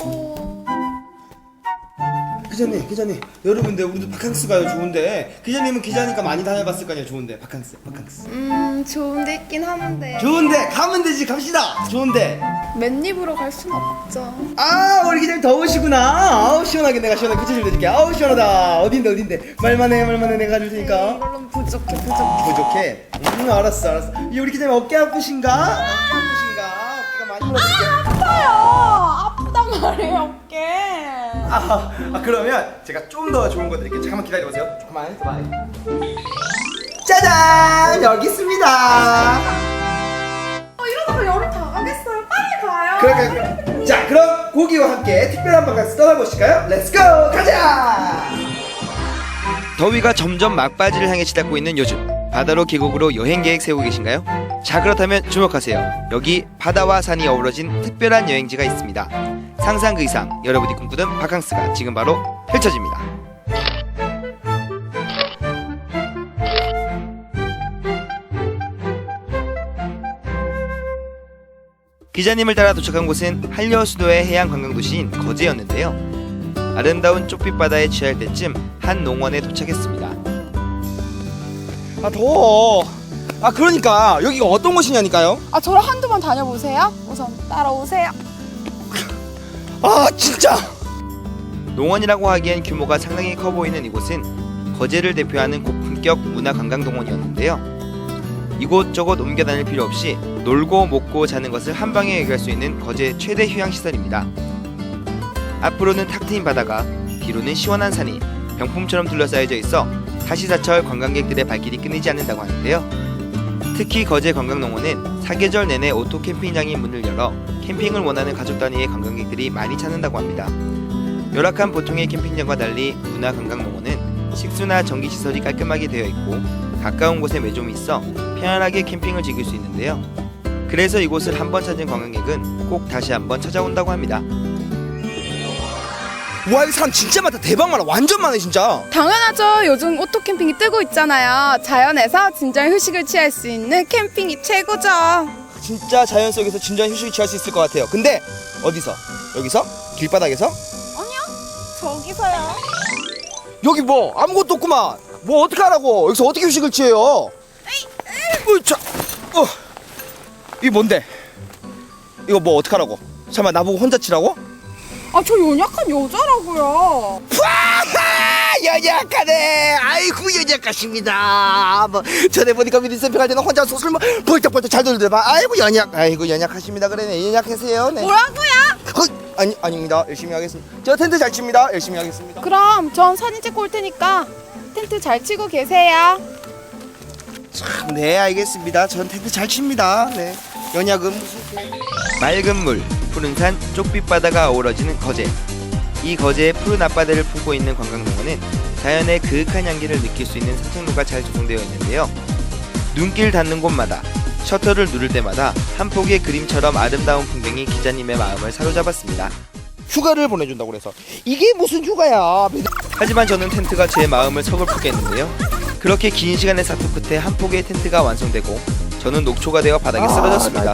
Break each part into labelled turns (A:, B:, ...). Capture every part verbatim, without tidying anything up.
A: 기자님, 기자님, 여러분들 우리도 바캉스 가요. 좋은데 기자님은 기자니까 많이 다녀봤을 거 아니에요. 좋은데 바캉스, 바캉스.
B: 음 좋은데 있긴 하는데
A: 좋은데 가면 되지. 갑시다. 좋은데.
B: 맨입으로 갈 순 없죠.
A: 아, 우리 기자님 더우시구나. 아우 시원하게 내가 시원하게 그치 좀 해줄게. 아우 시원하다. 어딘데 어딘데. 말만 해, 말만 해. 내가 해줄 테니까.
B: 이걸로는 부족해 부족해.
A: 부족해. 음, 알았어, 알았어. 이 우리 기자님 어깨 아프신가? 어깨 아프신가? 어깨가 많이 부러지게.
B: 아파요. 아프단 말이에요 어깨.
A: 아, 아 그러면 제가 좀 더 좋은 거 드릴게요. 잠깐만 기다려보세요. 잠깐만 있어봐. 짜잔! 여기 있습니다.
B: 어 이러다가 여름 다 가겠어요. 빨리 가요.
A: 그럴까요? 그럼. 자, 그럼 고기와 함께 특별한 바캉스 떠나보실까요? 렛츠고! 가자! 더위가 점점 막바지를 향해 치닫고 있는 요즘, 바다로 계곡으로 여행 계획 세우고 계신가요? 자, 그렇다면 주목하세요. 여기 바다와 산이 어우러진 특별한 여행지가 있습니다. 상상 그 이상 여러분이 꿈꾸던 바캉스가 지금 바로 펼쳐집니다. 기자님을 따라 도착한 곳은 한려수도의 해양 관광도시인 거제였는데요. 아름다운 쪽빛 바다에 취할 때쯤 한 농원에 도착했습니다. 아 더워. 아 그러니까 여기가 어떤 곳이냐니까요.
B: 아 저를 한두 번 다녀보세요. 우선 따라오세요.
A: 아 진짜. 농원이라고 하기엔 규모가 상당히 커 보이는 이곳은 거제를 대표하는 고품격 문화관광동원이었는데요. 이곳저곳 옮겨 다닐 필요 없이 놀고 먹고 자는 것을 한 방에 해결할 수 있는 거제 최대 휴양시설입니다. 앞으로는 탁 트인 바다가, 뒤로는 시원한 산이 병풍처럼 둘러싸여져 있어 사시사철 관광객들의 발길이 끊이지 않는다고 하는데요. 특히 거제 관광농원은 사계절 내내 오토 캠핑장이 문을 열어 캠핑을 원하는 가족 단위의 관광객들이 많이 찾는다고 합니다. 열악한 보통의 캠핑장과 달리 문화관광농원은 식수나 전기시설이 깔끔하게 되어 있고 가까운 곳에 매점이 있어 편안하게 캠핑을 즐길 수 있는데요. 그래서 이곳을 한번 찾은 관광객은 꼭 다시 한번 찾아온다고 합니다. 와, 이 사람 진짜 많다. 대박 많아. 완전 많아 진짜.
B: 당연하죠. 요즘 오토 캠핑이 뜨고 있잖아요. 자연에서 진정 휴식을 취할 수 있는 캠핑이 최고죠.
A: 진짜 자연 속에서 진정한 휴식을 취할 수 있을 것 같아요. 근데 어디서? 여기서? 길바닥에서?
B: 아니요. 저기서요.
A: 여기 뭐 아무것도 없구만. 뭐 어떻게 하라고? 여기서 어떻게 휴식을 취해요? 어, 자, 어, 이게 뭔데? 이거 뭐 어떻게 하라고? 잠깐만, 나보고 혼자 치라고?
B: 아 저 연약한 여자라고요.
A: 연약하네. 아이고 연약하십니다. 뭐 전에 보니까 미니센터 갈 때는 혼자 소설 뭐 벌떡벌떡 잘 돌더만. 아이고 연약. 아이고 연약하십니다. 그러네. 연약하세요. 네.
B: 뭐라고요?
A: 어, 아니 아닙니다. 열심히 하겠습니다. 저 텐트 잘 칩니다. 열심히 하겠습니다.
B: 그럼 전 사진 찍고 올 테니까 텐트 잘 치고 계세요.
A: 참, 네 알겠습니다. 전 텐트 잘 칩니다. 네. 연약은 무슨 맑은 물, 푸른 산, 쪽빛 바다가 어우러지는 거제. 이 거제의 푸른 앞바다를 품고 있는 관광농원은 자연의 그윽한 향기를 느낄 수 있는 산책로가 잘 조성되어 있는데요. 눈길 닿는 곳마다, 셔터를 누를 때마다 한 폭의 그림처럼 아름다운 풍경이 기자님의 마음을 사로잡았습니다. 휴가를 보내준다고 그래서 이게 무슨 휴가야. 하지만 저는 텐트가 제 마음을 서글프게 했는데요. 그렇게 긴 시간의 사투 끝에 한 폭의 텐트가 완성되고 저는 녹초가 되어 바닥에 쓰러졌습니다.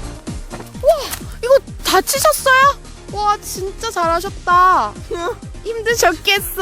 B: 이거 다치셨어요? 와 진짜 잘하셨다. 힘드셨겠어요.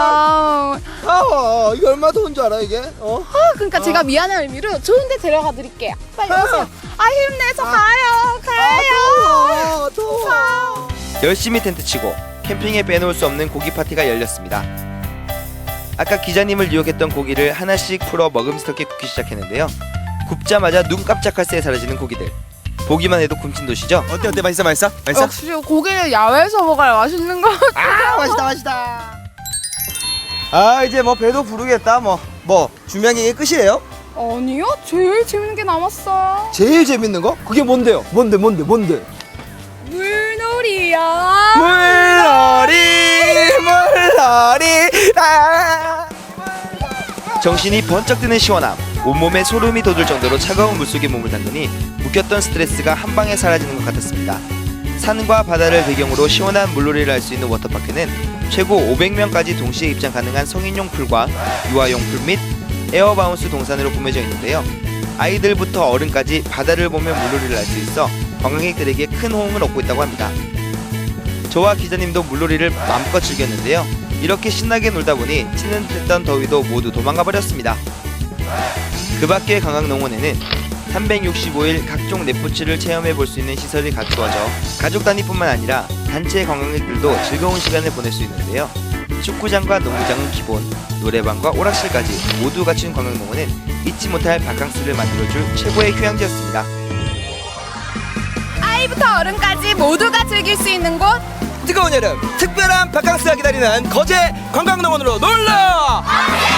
A: 아, 이거 얼마 더운 줄 알아 이게? 어?
B: 아, 그러니까 제가 미안한 의미로 좋은데 데려가 드릴게요. 빨리 오세요. 아 힘내서 가요 가요.
A: 더워, 더워. 열심히 텐트 치고 캠핑에 빼놓을 수 없는 고기 파티가 열렸습니다. 아까 기자님을 유혹했던 고기를 하나씩 풀어 먹음스럽게 굽기 시작했는데요. 굽자마자 눈 깜짝할 새에 사라지는 고기들. 보기만 해도 굼친 도시죠? 어때 어때 맛있어 맛있어? 맛있어?
B: 역시 고기는 야외에서 먹어야 맛있는 거 같아.
A: 아 맛있다 맛있다. 아 이제 뭐 배도 부르겠다. 뭐 뭐 준비한 게 끝이에요?
B: 아니요 제일 재밌는 게 남았어.
A: 제일 재밌는 거? 그게 뭔데요? 뭔데 뭔데 뭔데?
B: 물놀이요.
A: 물놀이 물놀이 아 정신이 번쩍 드는 시원함, 온몸에 소름이 돋을 정도로 차가운 물속에 몸을 담그니 묶였던 스트레스가 한 방에 사라지는 것 같았습니다. 산과 바다를 배경으로 시원한 물놀이를 할 수 있는 워터파크는 최고 오백 명까지 동시에 입장 가능한 성인용 풀과 유아용 풀 및 에어바운스 동산으로 꾸며져 있는데요. 아이들부터 어른까지 바다를 보며 물놀이를 할 수 있어 관광객들에게 큰 호응을 얻고 있다고 합니다. 저와 기자님도 물놀이를 마음껏 즐겼는데요. 이렇게 신나게 놀다 보니 치는 듯던 더위도 모두 도망가 버렸습니다. 그 밖의 관광농원에는 삼백육십오 일 각종 레포츠를 체험해 볼 수 있는 시설이 갖추어져 가족 단위뿐만 아니라 단체 관광객들도 즐거운 시간을 보낼 수 있는데요. 축구장과 농구장은 기본, 노래방과 오락실까지 모두 갖춘 관광농원은 잊지 못할 바캉스를 만들어줄 최고의 휴양지였습니다.
B: 아이부터 어른까지 모두가 즐길 수 있는 곳.
C: 뜨거운 여름 특별한 바캉스가 기다리는 거제 관광농원으로 놀러!